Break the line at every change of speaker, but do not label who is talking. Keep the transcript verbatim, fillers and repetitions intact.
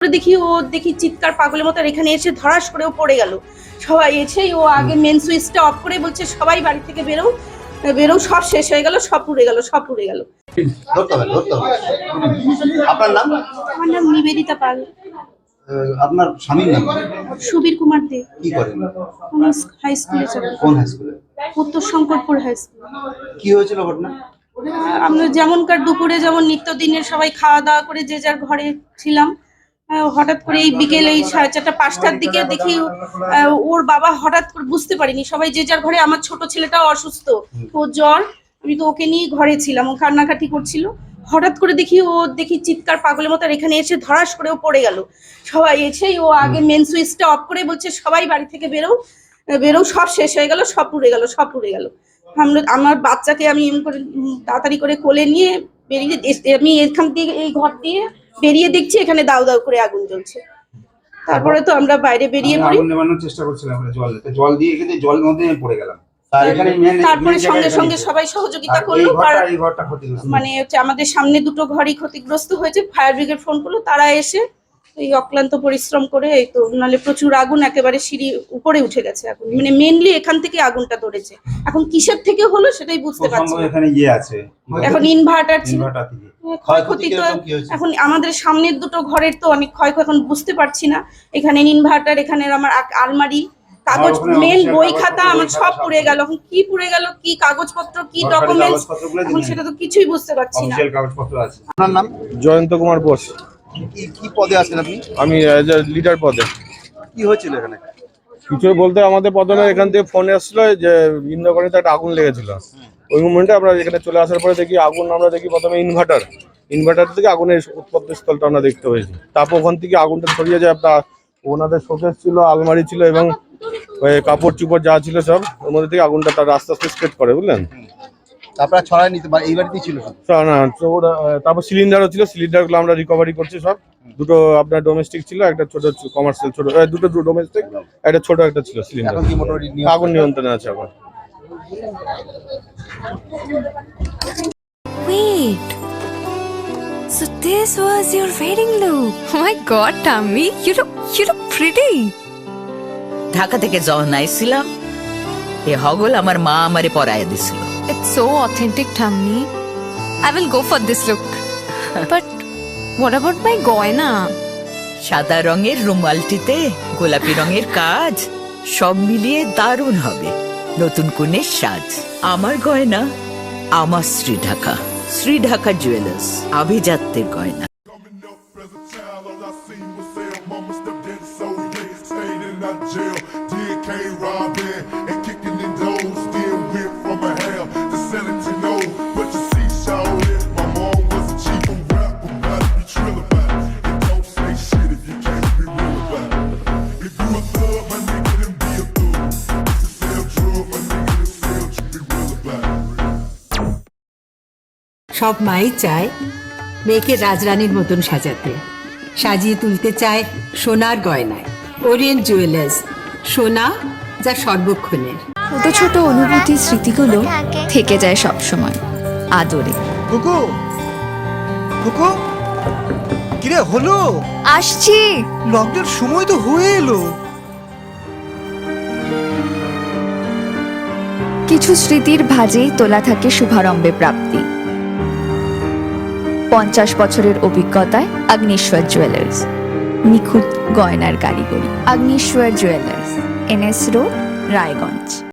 দেখি ও দেখি চিৎকার পাগলের মতো, আর এখানে এসে ধরাস করে ও পড়ে গেল। সবাই এসেই ও আগে মেন সুইচটা অফ করে বলছে সবাই বাড়ি থেকে বেরো বেরো, সব শেষ হয়ে গেল, সব পুড়ে গেল, সব পুড়ে গেল।
আপনার নাম?
আমার নাম নিবেদিতা পাল।
আপনার স্বামীর নাম?
সুবীর কুমার দে।
কি করেন?
হাই স্কুলে চাকরি।
কোন হাই স্কুলে?
উত্তর শঙ্করপুর হাই স্কুল।
কি হয়েছিল ঘটনা?
আমরা যেমনকার দুপুরে যেমন নিত্যদিনের সবাই খাওয়া দাওয়া করে যে যার ঘরে ছিলাম, হঠাৎ করে এই বিকেল এই সাড়ে চারটা পাঁচটার দিকে দেখি ওর বাবা হঠাৎ করে, বুঝতে পারিনি, সবাই যে যার ঘরে, আমার ছোট ছেলেটাও অসুস্থ, ওর জ্বর, আমি তো ওকে নিয়ে ঘরে ছিলাম, ও কান্নাকাটি করছিল। হঠাৎ করে দেখি ও দেখি চিৎকার পাগলের মতো, আর এখানে এসে ধরাস করে ও পড়ে গেল। সবাই এসেই ও আগে মেন সুইচটা অফ করে বলছে সবাই বাড়ি থেকে বেরো বেরো, সব শেষ হয়ে গেল, সব পুড়ে গেল, সব পুড়ে গেল। আমরা আমার বাচ্চাকে আমি এম করে তাড়াতাড়ি করে কোলে নিয়ে বেরিয়ে, আমি এখান দিয়ে এই ঘর দিয়ে বেরিয়ে দেখছি এখানে দাউ দাউ করে আগুন জ্বলছে। তারপরে তো আমরা বাইরে বেরিয়ে পড়ি,
আগুন নেভানোর চেষ্টা করছিলাম, আমরা জল জল দিয়ে কিন্তু জলের মধ্যে পড়ে গেলাম।
তারপরে সঙ্গে সঙ্গে সবাই সহযোগিতা করলো, মানে হচ্ছে আমাদের সামনে দুটো ঘরই ক্ষতিগ্রস্ত হয়েছে, ফায়ার ব্রিগেড ফোন করলো, তারা এসে এই অক্লান্ত পরিশ্রম করে, এই তো নালে প্রচুর আগুন, একেবারে সিঁড়ি উপরে উঠে গেছে আগুন, মানে মেনলি এখান থেকে আগুনটা ধরেছে। এখন কিসের থেকে হলো সেটাই বুঝতে পারছি না।
এখানে ইয়ে আছে,
এখন ইনভার্টার ছিল, ক্ষয়ক্ষতি তো এখন আমাদের সামনের দুটো ঘরের তো অনেক ক্ষয়ক্ষতি, এখন বুঝতে পারছি না। এখানে ইনভার্টার, এখানে আমার আলমারি, কাগজ, মেন বই খাতা আমার সব পুড়ে গেল। এখন কি পুড়ে গেল, কি কাগজপত্র, কি ডকুমেন্টস, এখন সেটা তো কিছুই বুঝতে পারছি না।
আপনার নাম?
জয়ন্ত কুমার বোস।
কি কি পদে আছেন আপনি?
আমি লিডার পদে।
কি হয়েছিল এখানে?
কিছু বলতে আমাদের প্রথমে এখান থেকে ফোন এসেছিল যে ইন্দ্রকণিতে একটা আগুন লেগেছিল। ওই মোমেন্টে আমরা এখানে চলে আসার পরে দেখি আগুন, আমরা দেখি প্রথমে ইনভার্টার ইনভার্টার থেকে আগুনের উৎপত্তি স্থলটা আমরা দেখতে পেয়েছি। তারপর ওখান থেকে আগুনটা ছড়িয়ে যায়, আপনার ওনাদের শোকেস ছিল, আলমারি ছিল এবং ওই কাপড় চুপড় যা ছিল সব, ওর মধ্যে থেকে আগুনটা তার আস্তে আস্তে স্প্রেড করে, বুঝলেন।
আপনারা ছড়াই নিতে পারেন, এই বাড়িতেই ছিল
না। তারপর সিলিন্ডারও ছিল, সিলিন্ডারগুলো আমরা রিকভারি করছি সব। দুটো আপনার ডোমেস্টিক ছিল, একটা ছোট কমার্শিয়াল, ছোট দুটো ডোমেস্টিক, একটা ছোট একটা ছিল সিলিন্ডার। আগুন নিয়ন্ত্রণে আছে এখন।
Wait. So this was your wedding look. Oh my god, Tammy, you look you look pretty.
Dhaka থেকে যখন আইছিলাম এ হগল আমার মা আমারে পরায় দিছিল।
It's so authentic, Tammy. I will go for this look. But what about my goina?
সাদা রঙের রুমালটিতে গোলাপি রঙের কাজ, সব মিলিয়ে দারুণ হবে নতুন কনের সাজ। আমার গয়না আমার শ্রী ঢাকা, শ্রী ঢাকা জুয়েলার্স, আভিজাত্যের গয়না।
সব মাই চায় মেয়েকে রাজরানীর মতন সাজাতে, সাজিয়ে তুলতে চায় সোনার গয়নায়। ওরিয়েন্ট জুয়েলার্স, সোনা যা সর্বক্ষণের।
ছোট ছোট অনুভূতি, স্মৃতিগুলো থেকে যায় সব সময় আদরে।
কুকু কুকু কিরে হলো?
আসছি,
লকডাউন সময় তো হয়ে এলো।
কিছু স্মৃতির ভাজেই তোলা থাকে শুভারম্ভে প্রাপ্তি। পঞ্চাশ বছরের অভিজ্ঞতায় আগ্নেশ্বর জুয়েলার্স, নিখুঁত গয়নার কারিগরি। Agneshwar jewellers, NS road, Raiganj.